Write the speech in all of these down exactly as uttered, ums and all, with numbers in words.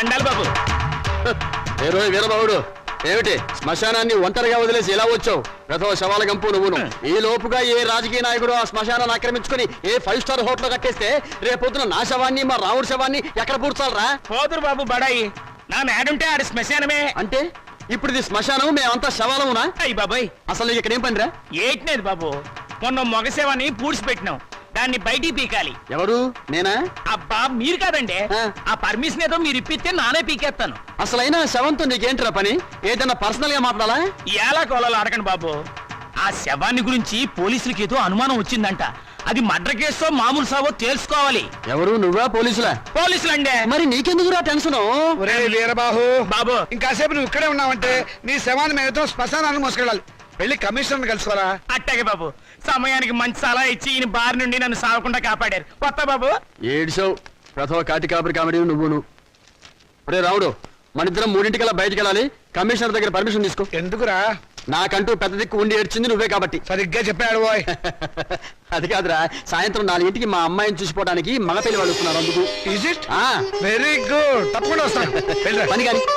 దండాలి బాబు. ఏ రోజు వీరబాబుడు ఏమిటి శ్మశానాన్ని ఒంటరిగా వదిలేసి ఎలా వచ్చావు? ప్రథమ శవాల గంపు నువ్వును. ఈ లోపుగా ఏ రాజకీయ నాయకుడు ఆ శ్మశానాన్ని ఆక్రమించుకుని ఏ ఫైవ్ స్టార్ హోటల్ కట్టేస్తే రేపొద్దున నా శవాన్ని మా రాముడి శవాన్ని ఎక్కడ పూడ్చాలరా? పోదురు బాబు బడాయి. నా మేడుంటే ఆడి శ్మశానమే. అంటే ఇప్పుడు ఇది శ్మశానం, మేమంతా శవాలమునా? అయ్యి బాబాయ్, అసలు నీకు ఇక్కడ ఏం పనిరా? ఏట్లేదు బాబు, మొన్న మొగసేవాన్ని పూడ్చిపెట్టినాం, దాన్ని బయటికి పీకాలి. ఎవరు? నేనా? అబ్బా మీరు కాదండి. ఆ పర్మిషన్ ఏదో మీరు ఇప్పిస్తే నానే పీకేస్తాను. అసలైనా శవంతో నీకేంట్రా పని? ఏదన్నా పర్సనల్ గా మాట్లాడాలా? ఎలా కోలాలో అడగండి బాబు. ఆ శవాన్ని గురించి పోలీసులకి ఏదో అనుమానం వచ్చిందంట. అది మర్డర్ కేసో మామూలు సావో తెలుసుకోవాలి. ఎవరు? నువ్వా పోలీసులా? పోలీసులండే. మరి నీకెందుకురా టెన్షన్? వీరబాబు బాబు, ఇంకాసేపు నువ్వు ఇక్కడే ఉన్నావంటే నీ శవాన్ని మేము శ్మశానాన్ని మోసుకెళ్ళాలి. వెళ్ళి కమిషనర్ కలుసుకోరా. అట్టాగే బాబు, సమయానికి మంచి సలహా ఇచ్చి ఈయన బారి నుండి నన్ను సాగకుండా కాపాడారు. కొత్త బాబు ఏడ్చావు. ప్రథమ కాటి కాపరి కామెడీ నువ్వును. రే రావుడు, మన ఇద్దరం మూడింటికల్లా బయటికి వెళ్ళాలి. కమిషనర్ దగ్గర పర్మిషన్ తీసుకో. ఎందుకురా? నాకంటూ పెద్ద దిక్కు ఉండి ఏడ్చింది నువ్వే కాబట్టి. సరిగ్గా చెప్పాడు బాయ్. అది కాదురా, సాయంత్రం నాలుగింటికి మా అమ్మాయిని చూసిపోవడానికి మగ పెళ్లి వాళ్ళు వస్తున్నారు. అందుకు ఈజ్ ఇట్? వెరీ గుడ్, తప్పకుండా వస్తాను. పని కానీ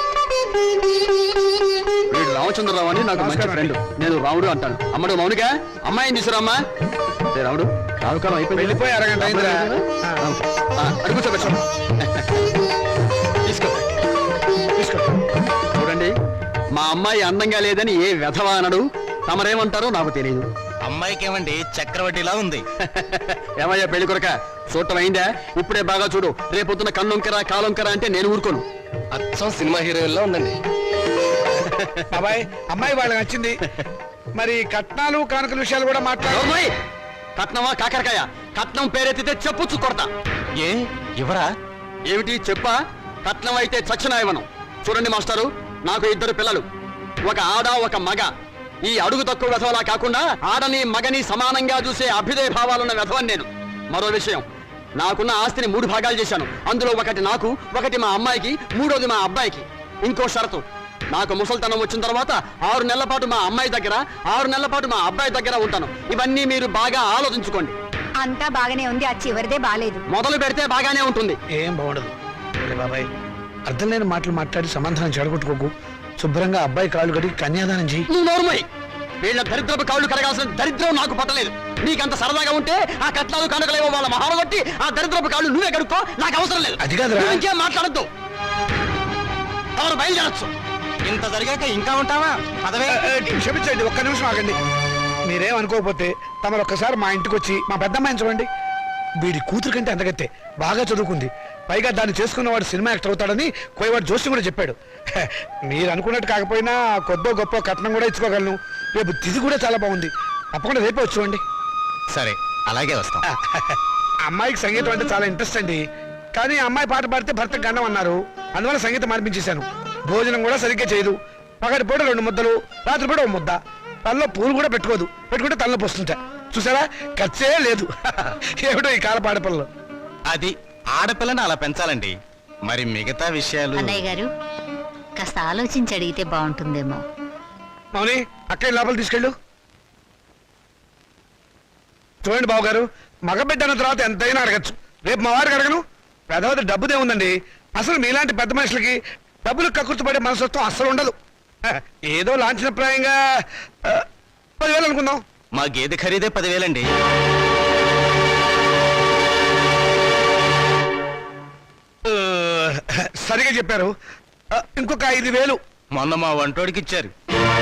వీడు రామచంద్రరావు అని నాకు మంచి ఫ్రెండ్. నేను రాముడు అంటాను. అమ్మడు మౌనిక, అమ్మాయిని తీసుకురామ్మా. రాముడు, రావుకాలం అయిపోయింది. వెళ్ళిపోయి అరగంట అయిందిరా. అడుగు కూర్చోబెట్టు. తీసుకో తీసుకో. చూడండి, మా అమ్మాయి అందంగా లేదని ఏ వెధవా అనడు. తమరేమంటారో నాకు తెలియదు. అమ్మాయికి ఏమండి చక్రవడ్డీలా ఉంది. ఏమయ్యా పెళ్లి కొరక, చూడటం అయిందా? ఇప్పుడే బాగా చూడు. రేపొద్దున కన్నొంకరా కాలొంకరా అంటే నేను ఊరుకోను. అచ్చం సినిమా హీరోయిన్లా ఉందండి. బాబాయ్, అమ్మాయి వాళ్ళకి నచ్చింది. మరి కట్నాలు కానుకల విషయాలు కూడా మాట్లాడు. కట్నమా కాకరకాయ? కట్నం పేరెత్తితే చెప్పొచ్చు కొడతా. ఏ ఇవరా? ఏమిటి చెప్పా? కట్నం అయితే చచ్చిన ఇవ్వను. చూడండి మాస్టారు, నాకు ఇద్దరు పిల్లలు, ఒక ఆడ ఒక మగ. ఈ అడుగు తక్కువ వెధవలా కాకుండా ఆడని మగని సమానంగా చూసే అభ్యుదయ భావాలున్న వెధవని నేను. మరో విషయం, నాకున్న ఆస్తిని మూడు భాగాలు చేశాను. అందులో ఒకటి నాకు, ఒకటి మా అమ్మాయికి, మూడోది మా అబ్బాయికి. ఇంకో షరతు, నాకు ముసల్తనం వచ్చిన తర్వాత ఆరు నెలల పాటు మా అమ్మాయి దగ్గర, ఆరు నెలల పాటు మా అబ్బాయి దగ్గర ఉంటాను. ఇవన్నీ మీరు బాగా ఆలోచించుకోండి. అంతా బాగానే ఉంది, ఆ చివరిదే బాలేదు. మొదలు పెడితే బాగానే ఉంటుంది. ఏం బాగుండదు బాబాయ్. అర్థం లేని మాటలు మాట్లాడి సమాధానం చెడగొట్టుకోకు. శుభ్రంగా అబ్బాయి కాళ్ళు కడిగి కన్యాదానం చెయ్యి. నువ్వు నోరుమోయ్. వీళ్ళ దరిద్రపు కాళ్ళు కడగాల్సిన దరిద్రం నాకు పట్టలేదు. నీకంత సరదాగా ఉంటే ఆ కట్నాలు కనుకలేవో వాళ్ళ మహాలు కొట్టి ఆ దరిద్రపు కాళ్ళు నువ్వే కడుక్కో, నాకు అవసరం లేదు. అది కాదురా. ఇంకేం మాట్లాడద్దు. ఎవరు బయలుదేరచ్చు. ఇంత జరిగాక ఇంకా ఉంటావా? పదవే. క్షమించండి, ఒక్క నిమిషం ఆగండి. మీరేం అనుకోకపోతే తమరు ఒక్కసారి మా ఇంటికి వచ్చి మా పెద్దమ్మాయిని చూడండి. వీడి కూతురు కంటే అందగత్తే, బాగా చదువుకుంది. పైగా దాన్ని చేసుకున్నవాడు సినిమా యాక్టర్ అవుతాడని కోయవాడు జోషి కూడా చెప్పాడు. మీరు అనుకున్నట్టు కాకపోయినా కొద్దో గొప్ప కట్నం కూడా ఇచ్చుకోగలను. రేపు తిది కూడా చాలా బాగుంది. తప్పకుండా రేపే వచ్చుకోండి. సరే, అలాగే వస్తాం. అమ్మాయికి సంగీతం అంటే చాలా ఇంట్రెస్ట్ అండి. కానీ అమ్మాయి పాట పాడితే భర్తకు గండం అన్నారు. అందువల్ల సంగీతం మార్పించేశాను. భోజనం కూడా సరిగ్గా చేయదు. పగటి పూట రెండు ముద్దలు, రాత్రి పూట ఒక ముద్ద. తనలో పూలు కూడా పెట్టుకోదు. పెట్టుకుంటే తనలో పోస్తుంటా. చూసారా, ఖర్చే లేదు. ఏమిటో ఈ కాల పాడపిల్లలు. అది ఆడపిల్లని అలా పెంచాలండి. మరి మిగతా విషయాలు అన్నయ్య గారు కాస్త ఆలోచించి అడిగితే బాగుంటుందేమో. మౌని, అక్కడి లోపల తీసుకెళ్ళు. చూడండి బాబు గారు, మగబిడ్డ అన్న తర్వాత ఎంతైనా అడగచ్చు. రేపు మా వారికి అడగను. పెద్దవద్ద డబ్బుదే ఉందండి. అసలు మీలాంటి పెద్ద మనుషులకి డబ్బులు కక్కుర్తి పడే మనసత్వం అస్సలు ఉండదు. ఏదో లాంఛనప్రాయంగా పదివేలు అనుకుందాం. మా గేదె ఖరీదే పదివేలండి. సరిగా చెప్పారు. ఇంకొక ఐదు వేలు మొన్న మా వంటోడికి ఇచ్చారు.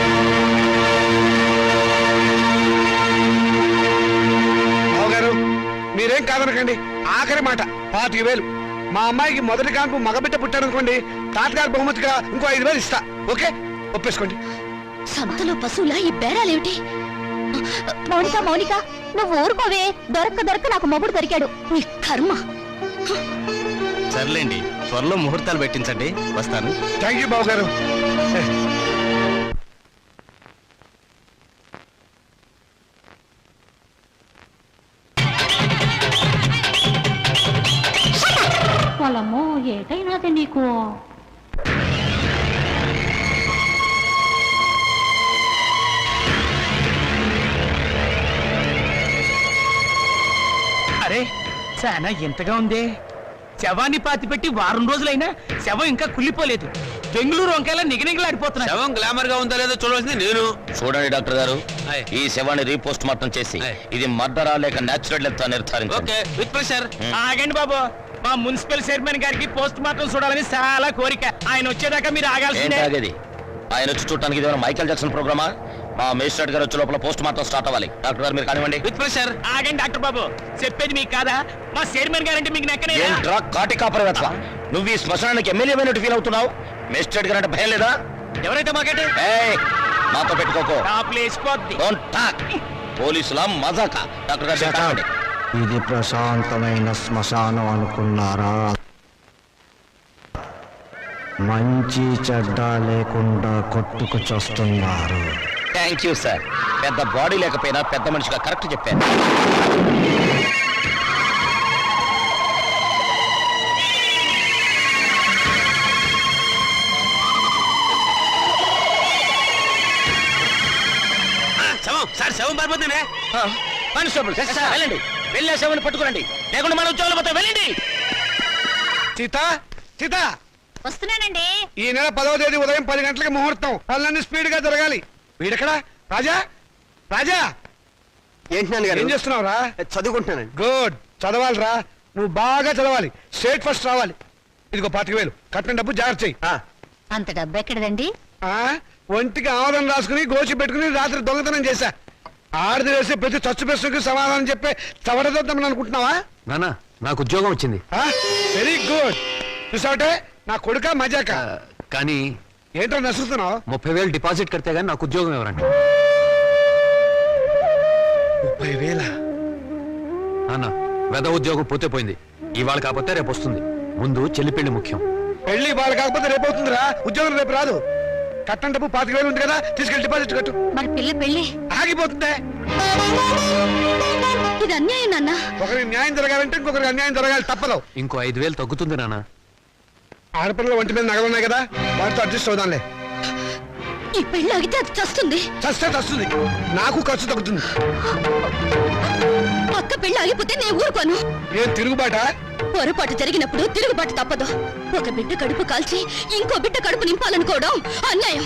బావగారు, మీరేం కాదనకండి. ఆఖరి మాట పాతిక వేలు. మా అమ్మాయికి మొదటి కాన్పు మగబిడ్డ పుట్టారనుకోండి, తాతగారు బహుమతిగా ఇంకో ఐదు వేలు ఇస్తా. ఓకే, ఒప్పేసుకోండి. సంతలో పశువులా ఈ బేరాలేమిటి? మౌనిక మౌనిక నువ్వు ఊరుకోవే. దొరక్క దొరక్క నాకు మొగుడు దొరికాడు. నీ కర్మ. సర్లేండి, త్వరలో ముహూర్తాలు పెట్టించండి. వస్తాను. థ్యాంక్ యూ బాబు గారు. వాళ్ళమ్మో ఏటైనాది నీకు. అరే చాలా ఎంతగా ఉంది. శవాన్ని పాతి పెట్టి వారం రోజులైనా శవం ఇంకా కుళ్ళిపోలేదు. బెంగళూరు వంకాయలా నిగనిగలాడిపోతున్నాయి. శవం గ్లామర్ గా ఉందో లేదో చూడవలసింది నేను. చూడండి డాక్టర్ గారు, ఆయ్. ఈ శవాన్ని రీపోస్ట్ మార్టం చేసి ఆయ్. ఇది మర్డరా లేక నేచురల్ డెత్ నిర్ధారించండి. Okay with pressure. ఆగండి బాబు, మా మున్సిపల్ చైర్మన్ గారికి పోస్ట్ మార్టం చూడాలని చాలా కోరిక. ఆయన వచ్చేదాకా మీరు ఆగాల్సిందే. ఏంటి ఆయన వచ్చి చూడటానికి ఇది మైకేల్ జాక్సన్ ప్రోగ్రామా? మా మేజిస్ట్రేట్ గారు వచ్చే లోపల పోస్ట్ మార్టం స్టార్ట్ అవ్వాలి. డాక్టర్ గారు మీరు కానివ్వండి. With pressure. ఆగండి డాక్టర్ బాబు, చెప్పేది మీకు కాదా? మా చైర్మన్ గారంటే మీకు నెక్కనే. ఏంట్రా కాటి కాపరి వెతక, నువ్వు ఈ శ్మశానానికి ఎమ్మెల్యే అయినట్టు ఫీల్ అవుతున్నావు? మేజిస్ట్రేట్ గారు అంటే భయం లేదా? ఎవరైతే మాకంటే ఏయ్, నాతో పెట్టుకోకో. టాప్లు వేసిపోద్ది. Don't talk. పోలీసుల మజాక. డాక్టర్ గారు మీరు కానివ్వండి. ఇది ప్రశాంతమైన శ్మశానం అనుకున్నారా? మంచి చెడ్డ లేకుండా కొట్టుకు చస్తున్నారు. Thank you sir. పెద్ద బాడీ లేకపోయినా పెద్ద మనిషిగా కరెక్ట్ చెప్పాను. శవం సార్, శవం పారిపోతుందే. కానిస్టేబుల్ వెళ్ళండి, వెళ్ళే శవాన్ని పట్టుకురండి, లేకుండా మన ఉద్యోగాలు పోతాం. వెళ్ళండి. సీత సీత వస్తున్నానండి. ఈ నెల పదవ తేదీ ఉదయం పది గంటలకు ముహూర్తం. పనులన్నీ స్పీడ్ గా జరగాలి. వీడెక్కడా? రాజా రాజా ఏంటి నాన్నగారు? ఏం చేస్తున్నావురా? చదువుకుంటున్నానండి. గుడ్, చదవాలిరా. నువ్వు బాగా చదవాలి, స్టేట్ ఫస్ట్ రావాలి. ఇదిగో పాతిక వేలు కట్టిన డబ్బు జాగ్రత్త చెయ్యి. అంత డబ్బు ఎక్కడదండి? ఆ, ఒంటికి ఆవరణ రాసుకుని గోచి పెట్టుకుని రాత్రి దొంగతనం చేశా. ఆడది వేసే ప్రతి చచ్చు ప్రశ్నకి సమాధానం చెప్పే చవడదొద్దామని అనుకుంటున్నావా? నానా నాకు ఉద్యోగం వచ్చింది. Very good. చూసావటే నా కొడుక మజాక. కానీ ఏంటో నసురుతున్నావు? ముప్పై వేలు డిపాజిట్ కడితే గానీ నాకు ఉద్యోగం ఎవరండి? ముప్పై వేల నాన్న, వెద ఉద్యోగం పోతే పోయింది. ఇవాళ కాకపోతే రేపు వస్తుంది. ముందు చెల్లి పెళ్లి ముఖ్యం. పెళ్లి వాళ్ళు కాకపోతే రేపు అవుతుందిరా. ఉద్యోగం రేపు రాదు. కట్టం డబ్బు పాతిక వేలు ఉంది కదా, తీసుకెళ్ళి డిపాజిట్ కట్టు. మరి పిల్ల పెళ్ళి ఆగిపోతుందే. ఇది అన్యాయం నాన్న. ఒకరికి న్యాయం జరగాలంటే ఇంకొకరికి అన్యాయం జరగాలి, తప్పదు. ఇంకో ఐదు వేలు తగ్గుతుంది నాన్న. ఆడపిల్లల ఒంటి మీద నగలున్నాయి కదా, వాటితో అడ్జస్ట్ అవుదాంలే. ఈ పెళ్ళి ఆగితే అది చస్తుంది. చస్తే చస్తుంది, నాకు ఖర్చు తగ్గుతుంది. అక్క పెళ్ళి ఆగిపోతే నేను ఊరుకోను. ఏం తిరుగుబాట? పొరపాటు జరిగినప్పుడు తిరుగుబాటు తప్పదు. ఒక బిడ్డ కడుపు కాల్చి ఇంకో బిడ్డ కడుపు నింపాలనుకోవడం అన్యాయం.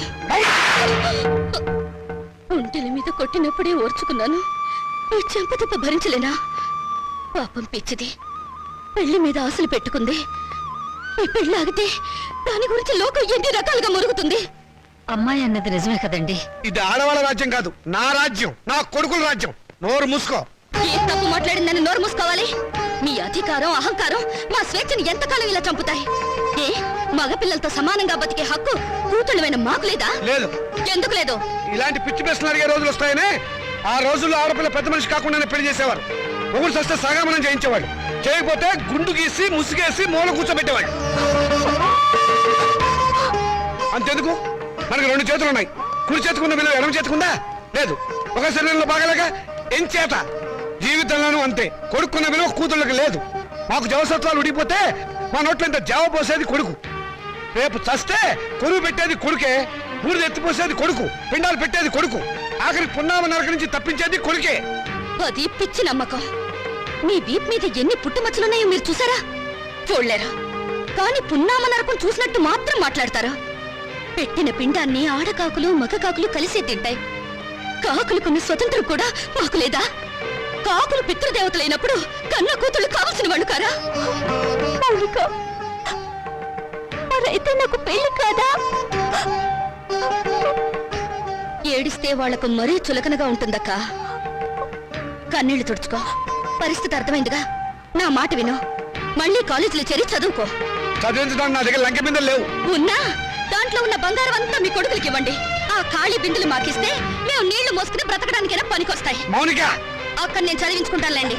ఒంటెల మీద కొట్టినప్పుడే ఓర్చుకున్నాను, ఈ చెంపదెబ్బ భరించలేనా? పాపం పిచ్చిది, పెళ్లి మీద ఆశలు పెట్టుకుంది. ఈ పెళ్లి ఆగితే దాని గురించి లోకం ఎన్ని రకాలుగా మురుగుతుంది. అమ్మాయి అన్నది నిజమే కదండి. ఇది ఆడవాళ్ళ రాజ్యం కాదు, నా రాజ్యం, నా కొడుకుల రాజ్యం. నోరు మూసుకో. ఏ తప్పు మాట్లాడిందని నోరు మూసుకోవాలి? మీ అధికారం అహంకారం మా స్వేచ్ఛని ఎంతకాలం ఇలా చంపుతాయి? ఏ మగపిల్లలతో సమానంగా బతికే హక్కు కూతుళ్ళమైన మాకు లేదా? లేదు. ఎందుకు లేదు? ఇలాంటి పిచ్చి ప్రశ్నలు అడిగే రోజులు వస్తాయనే ఆ రోజుల్లో ఆడపిల్ల పెద్ద మనిషి కాకుండానే పెళ్లి చేసేవారు. ఒకరు సస్తే సగామనం చేయించేవాడు, చేయకపోతే గుండు గీసి ముసుగేసి మూల కూర్చోబెట్టేవాడు. అంతెందుకు, మనకి రెండు చేతులు ఉన్నాయి. కుడి చేతుకున్న విలువ ఎడమ చేతుకుందా? లేదు. ఒక శరీరంలో బాగలేక ఎంచేత జీవితంలోనూ అంతే. కొడుకున్న విలువ కూతుళ్ళకి లేదు. మాకు జవసత్వాలు ఉడిపోతే మా నోట్లో ఇంత జావ పోసేది కొడుకు. రేపు చస్తే కొరువు పెట్టేది కొడుకే, బూడిద ఎత్తిపోసేది కొడుకు, పిండాలు పెట్టేది కొడుకు, ఆఖరి పున్నామ నరక నుంచి తప్పించేది కొడుకే. అది పిచ్చి నమ్మకం. మీ వీప్ మీద ఎన్ని పుట్టుమచ్చలున్నాయో మీరు చూసారా? చూడలేరా? కానీ పున్నామ నరకం చూసినట్టు మాత్రం మాట్లాడతారా? పెట్టిన పిండాన్ని ఆడకాకులు మగ కాకులు కలిసే తింటాయి. కాకులకున్న స్వతంత్రం కూడా మాకు లేదా? కాకులు పితృదేవతలైనప్పుడు కన్న కూతుళ్ళు కావలసిన వాళ్ళు కారా? అయితే నాకు పెళ్లి కాదా? ఏడిస్తే వాళ్లకు మరీ చులకనగా ఉంటుందక్క. కన్నీళ్లు తుడుచుకో. పరిస్థితి అర్థమైందిగా. నా మాట విను. మళ్ళీ కాలేజీలో చేరి చదువుకో. చదివించడానికి నా దగ్గర లంక బిందెలు లేవు. ఉన్నా దాంట్లో ఉన్న బంగారం అంతా మీ కొడుకులకి ఇవ్వండి. ఆ ఖాళీ బిందులు మాకిస్తే మేము నీళ్లు మోసుకుని బ్రతకడానికైనా పనికొస్తాయి. మౌనిక, అక్కడ నేను చదివించుకుంటానులేండి.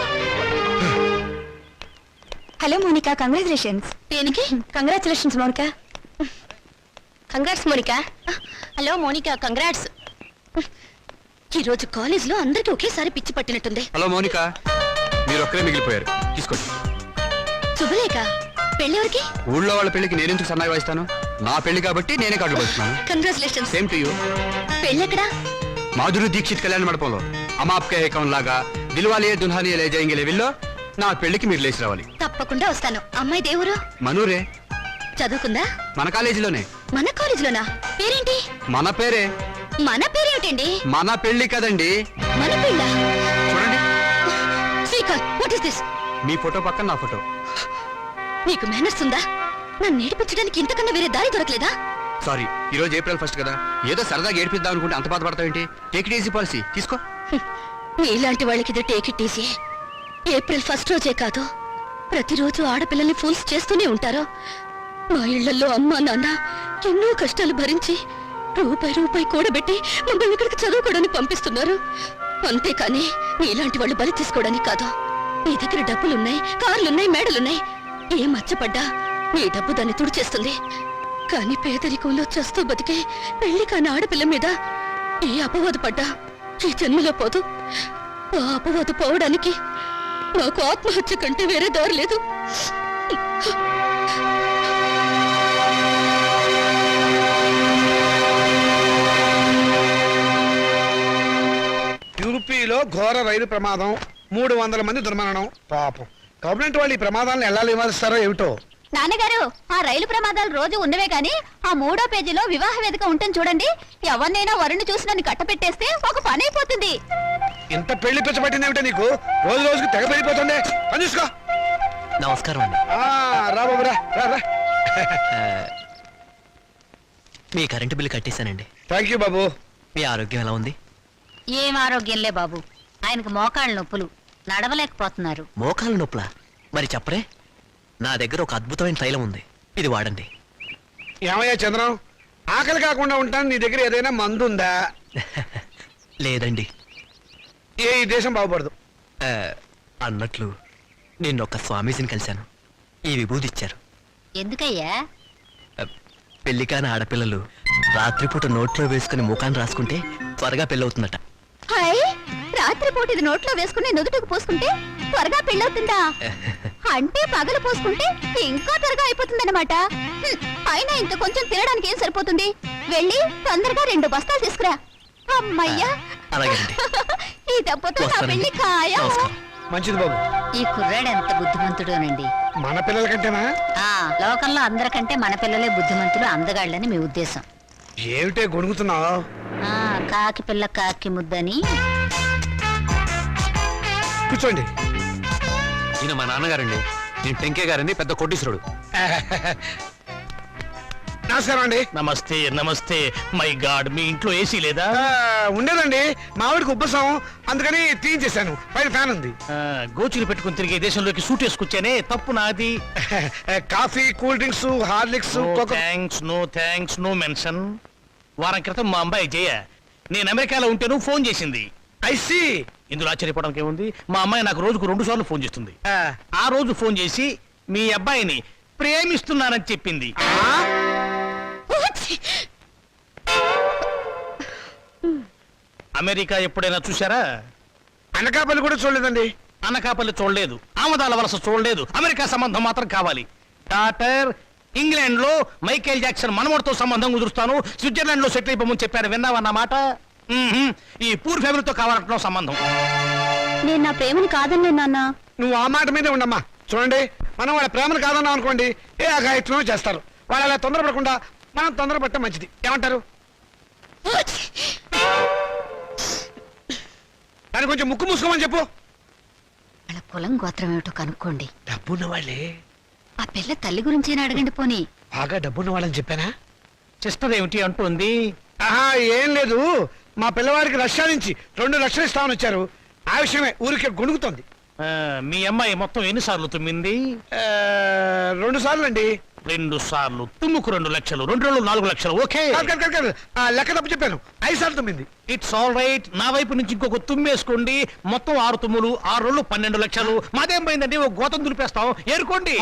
Hello Monika, congratulations. దేనికి? Congratulations Monika. Congrats Monika. Hello Monika, congrats. ఈ రోజు కాలేజ్ లో అందరికి ఒకేసారి పిచ్చి పట్టినట్టుంది. హలో మౌనిక, మీరు ఒక్కరే మిగిలిపోయారు. తీసుకోండి. శుభలేఖ, పెళ్ళెవరికి? ఊళ్ళో వాళ్ళ పెళ్లికి నేనెందుకు సన్నాయి వాయిస్తాను? నా పెళ్లి కాబట్టి నేనే కార్డు పడుతున్నాను. కంగ్రాచులేషన్స్. Same to you. పెళ్ళెక్కడా? మాధురి దీక్షిత్ కళ్యాణ మండపంలో అమాప్కే ఏకం లాగా దిల్వాలియే దుల్హానియే లే జాయింగే లెవెల్లో నా పెళ్లికి మీరు లేచి రావాలి. తప్పకుండా వస్తాను. అమ్మాయి దేవురు మనూరే, చదువుకుందా? మన కాలేజీలోనే. మన కాలేజీలోనా? పేరేంటి? మన పేరే. మన పేరేమిటండి? మన పెళ్లి కదండి. మన పిల్ల. చూడండి, శ్రీకాంత్, వాట్ ఇస్ దిస్? మీ ఫోటో పక్కన నా ఫోటో. నీకు మేనర్స్ ఉందా? నన్ను నేర్పించడానికి ఇంతకన్నా వేరే దారి దొరకలేదా? సారీ, ఈ రోజు ఏప్రిల్ ఫస్ట్ కదా, ఏదో సరదాగా ఏడిపిద్దాం అనుకుంటే అంత బాధపడతావేంటి? టేక్ ఇట్ ఈజీ పాలసీ, తీసుకో. నీలాంటి వాళ్ళకి ఇది take it easy. April first రోజే కాదు, ప్రతిరోజు ఆడపిల్లల్ని ఫూల్స్ చేస్తూనే ఉంటారు. మా ఇళ్లలో అమ్మా నాన్న ఎన్నో కష్టాలు భరించి రూపాయి రూపాయి కూడబెట్టి మమ్మల్ని ఇక్కడికి చదువుకోవడానికి పంపిస్తున్నారు. అంతేకాని నీలాంటి వాళ్ళు బలి తీసుకోవడానికి కాదు. నీ దగ్గర డబ్బులున్నాయి, కార్లున్నాయి, మేడలున్నాయి. ఏ మచ్చపడ్డా నీ డబ్బు దాన్ని తుడిచేస్తుంది. కానీ పేదరికంలో చస్తూ బతికే పెళ్లి కాని ఆడపిల్ల మీద ఏ అపవాదు పడ్డా ఈ జన్మలో పోదు. ఆ అపవాదు పోవడానికి నాకు ఆత్మహత్య కంటే వేరే దారి లేదు. యూపీలో ఘోర రైలు ప్రమాదం, మూడు వందల మంది దుర్మరణం. పాపం గవర్నమెంట్ వాళ్ళు ఈ ప్రమాదాలను ఎలా నివారిస్తారో ఏమిటో. నాన్నగారు, ఆ రైలు ప్రమాదాలు రోజు ఉన్నవే గాని ఆ మూడో పేజీలో వివాహ వేదిక ఉంటుంది చూడండి. ఎవరినైనా వరుణ్ణి చూసి నన్ను కట్టపెట్టేస్తే ఒక పని అయిపోతుంది. ఇంత పెళ్లి పిచ్చబట్టింది ఏమిటో నీకు? రోజు రోజుకి తెగ పెరిగిపోతుంది. పని చూసుకో. నమస్కారం అండి. ఆ, రా బాబు రా రా రా. మీ కరెంటు బిల్లు కట్టేశానండి. థ్యాంక్ యూ బాబు. మీ ఆరోగ్యం ఎలా ఉంది? ఏం ఆరోగ్యంలే బాబు, ఆయనకు మోకాళ్ళ నొప్పులు, నడవలేకపోతున్నారు. మోకాలు నొప్పులా? మరి చెప్పరే, నా దగ్గర ఒక అద్భుతమైన తైలం ఉంది, ఇది వాడండి. ఏమయ్యా చంద్రం, ఆకలి కాకుండా ఉంటాను, నీ దగ్గర ఏదైనా మందు ఉందా? లేదండి. ఏ ఈ దేశం బాగుపడదు. ఆ, అన్నట్లు నిన్నొక్క స్వామీజీని కలిశాను. ఈ విభూది ఇచ్చారు. ఎందుకయ్యా? ఆ, పెళ్లి కాని ఆడపిల్లలు రాత్రిపూట నోట్లో వేసుకుని ముఖాన్ని రాసుకుంటే త్వరగా పెళ్ళవుతుందట. హాయ్, రాత్రిపూట ఇది నోట్లో వేసుకుని నుదుటికి పోసుకుంటే త్వరగా పెళ్ళవుతుందా? అంటే పగలు పోసుకుంటే ఇంకా త్వరగా అయిపోతుందన్నమాట. హ్మ్, అయినా ఇంత కొంచెం తినడానికి ఏం సరిపోతుంది? వెళ్ళి తొందరగా రెండు బస్తాలు తీసుకురా. అమ్మయ్యా, అలాగేనండి. ఈ దెబ్బతో నా వస్తానండి. పెళ్లి ఖాయం. నమస్కారం. మంచిది బాబు. ఈ కుర్రాడు ఎంత బుద్ధిమంతుడోనండి. మన పిల్లల కంటేనా? ఆ లోకంలో అందరికంటే మన పిల్లలే బుద్ధిమంతులు, అందగాళ్ళని మీ ఉద్దేశం. ఏమిటే గొణుగుతున్నావు? ఆ కాకి పిల్ల కాకి ముద్దని. కూర్చోండి. ఈయన మా నాన్నగారండి. నేను టెంకే గారండి, పెద్ద కోటీశ్వరుడు. నమస్కారం అండి. నమస్తే నమస్తే. మై గాడ్, మీ ఇంట్లో ఏసీ లేదా? ఆ, ఉండేదండి, మావిడికి ఉబ్బసం, అందుకని తీయించేశాను. పైన ఫ్యాన్ ఉంది. ఆ, గోచులు పెట్టుకుని తిరిగే దేశంలోకి సూట్ వేసుకొచ్చానే, తప్పు నాది. Coffee, cool drinks, Horlicks, no cocoa. Thanks, no thanks, no mention. వారం క్రితం మా అమ్మాయి జయ నేను అమెరికాలో ఉంటేను ఫోన్ చేసింది. ఐసి. ఇందులో ఆశ్చర్యపోవడానికి ఏముంది? మా అమ్మాయి నాకు రోజుకు రెండు సార్లు ఫోన్ చేస్తుంది. ఆ రోజు ఫోన్ చేసి మీ అబ్బాయిని ప్రేమిస్తున్నానని చెప్పింది. అమెరికా ఎప్పుడైనా చూసారా? అనకాపల్లి కూడా చూడలేదండి. అనకాపల్లి చూడలేదు, ఆమదాల వలస చూడలేదు, అమెరికా సంబంధం మాత్రం కావాలి. డాక్టర్, ఇంగ్లాండ్ లో మైకేల్ జాక్సన్ మనవడితో సంబంధం కుదురుస్తాను, స్విట్జర్లాండ్ లో సెటిల్ అయిపోమని చెప్పారు. విన్నావన్నమాట? మ్మ్హ్మ్. ఈ పూర్ ఫ్యామిలీతో కావాలంటున్నాం సంబంధం. నేను నా ప్రేమను కాదన్నే నాన్న. నువ్వు ఆ మాట మీదే ఉండమ్మా. చూడండి, మనం వాళ్ళ ప్రేమను కాదన్నాం అనుకోండి, ఏ అఘాయిత్వం చేస్తారు. వాళ్ళు అలా తొందరపడకుండా మనం తొందరపడటం మంచిది. ఏమంటారు? దాన్ని కొంచెం ముక్కు మూసుకోమని చెప్పు. వాళ్ళ కులం గోత్రం ఏమిటో కనుక్కోండి. డబ్బున్న వాళ్ళే. ఆ పిల్ల తల్లి గురించేనా అడగండి పోనీ. బాగా డబ్బున్న వాళ్ళని చెప్పానా? సిస్టర్ ఏమిటి అంటుంది? ఆహా, ఏం లేదు. మా పిల్లవాడికి రష్యా నుంచి రెండు లక్షలు ఇస్తామని వచ్చారు. ఆ విషయమే ఊరికే గొణుగుతోంది. ఆ, మీ అమ్మాయి మొత్తం ఎన్నిసార్లు తుమ్మింది? ఆ, రెండు సార్లు అండి. రెండు సార్లు తుమ్ముకు రెండు లక్షలు, రెండు రెండు నాలుగు లక్షలు. ఓకే, కాదు, కాదు, కాదు, కాదు. ఆ, లెక్క తప్పు చెప్పాను. ఐదు సార్లు తొమ్మిది. It's all right. నా వైపు నుంచి ఇంకొక తుమ్మేసుకోండి. మొత్తం ఆరు తుమ్ములు, ఆరు రెండు పన్నెండు లక్షలు. మాదేం పోయిందండి, ఒక గోతం దులిపేస్తాం. ఏరుకోండి.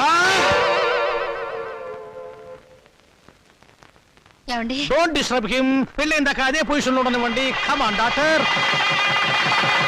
ఏమండి? Don't disturb him. పెళ్ళైందాక అదే పొజిషన్ లో ఉండనివ్వండి. Come on doctor.